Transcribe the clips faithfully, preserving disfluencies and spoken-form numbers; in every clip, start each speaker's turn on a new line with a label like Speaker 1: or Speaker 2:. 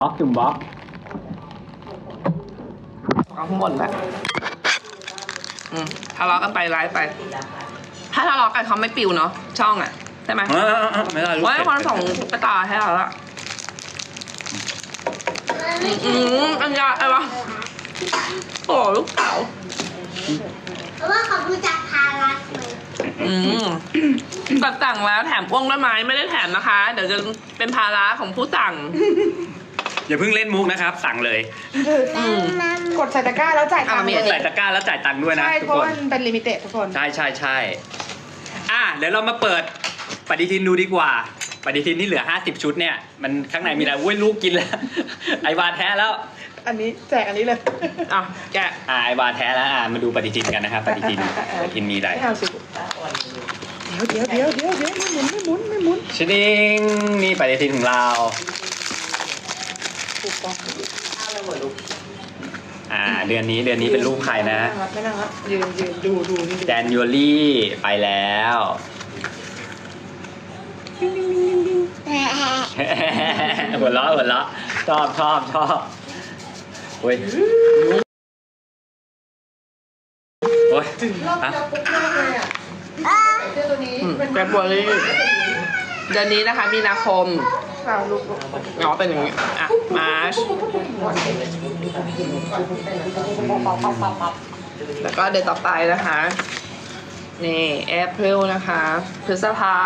Speaker 1: บล็อกจุ่มบล็อก
Speaker 2: เอาข้างบนแบบอืมทะเลาะกันไปไลฟ์ไป ถ้าทะเลาะกันเขาไม่ปิวเนาะช่องอ่ะใช่ไหม
Speaker 1: เออเออไม่ได้ลูก
Speaker 2: ว่า
Speaker 1: เผ็ด
Speaker 2: คนส่งไปต่อให้เราละอืมอันยาอะไรวะโอ้ลูกสาว
Speaker 3: เพราะว่าเขาดูจากพารัสไหม
Speaker 2: อืมแบบสั่งแล้วแถมพ่วงด้วยไหมไม่ได้แถมนะคะ เดี๋ยวจะเป็นภาระของผู้สั่ง
Speaker 1: อย่าเพิ่งเล่นมุกนะครับ สั่งเลย
Speaker 2: อืม
Speaker 4: กดใส่ตะกร้าแล้วจ่ายตังค์
Speaker 2: อ่ะมี
Speaker 4: เล
Speaker 2: อันนี้
Speaker 4: ย
Speaker 1: ใส่ตะกร้าแล้วจ่ายตังค์ด้วยนะ
Speaker 4: ใช่
Speaker 1: ทุก
Speaker 4: เพราะ
Speaker 1: คน
Speaker 4: ว่ามันเป็นลิมิเต็ดทุกคน
Speaker 1: ใช่ใช่ใช่อ่ะเดี๋ยวเรามาเปิดปฏิทินดูดีกว่า ปฏิทินที่เหลือห้าสิบชุดเนี่ยมันข้างในมีอะไรอุ้ยลูกกินแล้ว ไอวาแท้แล้ว
Speaker 4: อันนี้แจกอันนี้เลย
Speaker 2: อ่ะแกะ
Speaker 1: อ่าไอวาแท้แล้วอ่ามาดูปฏิทินกันนะครับปฏิทินปฏิทินมีอะไร
Speaker 4: ไม่เอาสิเดี๋ยวเดี๋ยวเดี๋ยวเดี๋ยวเดี๋ยวไม่หมุนไม่หมุนไม่หมุน
Speaker 1: ชิดิงนี่ปฏิทินของเรา
Speaker 4: ถูกต้อง
Speaker 1: อ่าเดือนนี้เดือนนี้เป็นรูปใครนะ
Speaker 4: ไม่นั่งละยืนยืนดูดูนี่ดู
Speaker 1: แจนยูรี่ไปแล้ว หัวเราะหัวเราะชอบชอบชอบโอ้ยโอ้ย
Speaker 4: รอบ
Speaker 1: ฮะ
Speaker 4: เดียวปุ๊บมากเลยอ่ะเสื้อตัวนี้
Speaker 2: อืม
Speaker 4: เป็น
Speaker 2: แกะบัวลี่เดือนนี้นะคะมีนาคม
Speaker 4: ข่าวลูกลูก
Speaker 2: อ๋อเป็นอย่างนี้อ่ะมาร์ชแล้วก็เดือนต่อไปนะคะ นี่แอพริลนะคะพฤษภา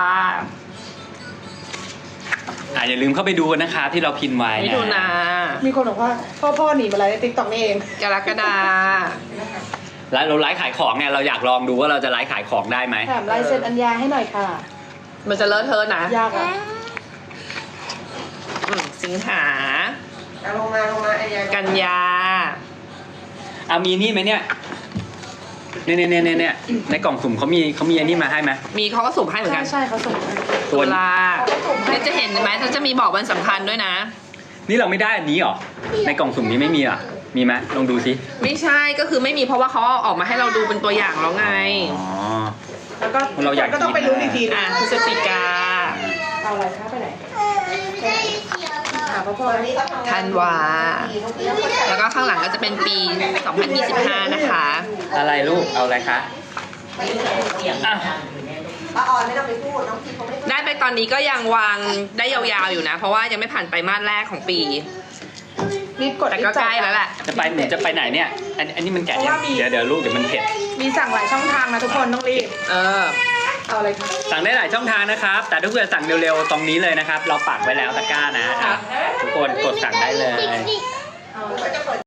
Speaker 1: อ่าอย่าลืมเข้าไปดูกันนะครับที่เราพิมพ์ไว้
Speaker 2: มิ
Speaker 1: นะ
Speaker 2: ถุนา
Speaker 4: มีคนบอกว่าพ่อพ่อหนีมาอะไรในติ๊กต็อกนี่เอง
Speaker 2: กรกฎา
Speaker 1: แล้วเราไลฟ์ขายของเนี่ยเราอยากลองดูว่าเราจะไลฟ์ขายของได้ไหม
Speaker 4: แถมลายเซ็นอัญญาให้หน่อยค่ะ
Speaker 2: มันจะเลอะเทอะนะ
Speaker 4: ยากอ่ะ
Speaker 2: อืมสิงหา
Speaker 4: เอาลงมาลงมาอัญญา
Speaker 2: กันยา
Speaker 1: เอามีนี่ไหมเนี่ยเนี่ยเนี่ยเนี่ยเนี่ยในกล่องสุ่มเขามีเขามีอันนี้มาให้ไหม
Speaker 2: มีเขาก็สุ่มให้เหมือน
Speaker 4: ใช่
Speaker 2: กัน
Speaker 4: ใช่เขาส่งมา
Speaker 1: ตัว
Speaker 2: ตุลาเนี่ยจะเห็นไหมเขาจะมีบอกวันสำคัญด้วยนะ
Speaker 1: นี่เราไม่ได้อันนี้หรอในกล่องสุ่มนี้ไม่มีอ่ะมีไหมลองดูสิ
Speaker 2: ไม่ใช่ก็คือไม่มีเพราะว่าเขาเอาออกมาให้เราดูเป็นตัวอย่างแล้วไง
Speaker 1: อ๋อ
Speaker 4: แล้วก็
Speaker 1: เราอยาก
Speaker 4: ก็ต้องไป
Speaker 1: กิน
Speaker 4: รู้นอีกที
Speaker 2: อ่ะ
Speaker 4: นะ
Speaker 2: พฤศจิกา
Speaker 4: เอาอะไรคะไปไหน
Speaker 3: ไม่ได้เกี่ยวกับ
Speaker 4: หาพ่อพ่อนี่
Speaker 2: ธันวา แล้วก็ข้างหลังก็จะเป็นปี สองพันยี่สิบห้า นะคะ
Speaker 1: อะไรลูกเอาอะไรคะอ่ะ
Speaker 4: ป้าออนไม่ต้องไปพูดน้องพีเขาไม่
Speaker 2: ได้ไปตอนนี้ก็ยังวางได้ยาวๆอยู่นะ เพราะว่ายังไม่ผ่านไปมาสแรกของปี
Speaker 4: รีบกด
Speaker 2: แต่ก็ใกล้แล้วแหละ
Speaker 1: จะไปหนูจะไปไหนเนี่ยอันอันนี้มันแกะยังเดี๋ยวเดี๋ยวลูกเดี๋ยวมันเผ็ด
Speaker 4: มีสั่งหลายช่องทางนะทุกคนต้องรีบ
Speaker 2: เออ
Speaker 4: เอาอะไรคะ
Speaker 1: สั่งได้หลายช่องทางนะครับ แต่ถ้าเกิดสั่งเร็วๆตรงนี้เลยนะครับ เราปักไว้แล้วตะกร้านะอ่ะทุกคนกดสั่งได้เลย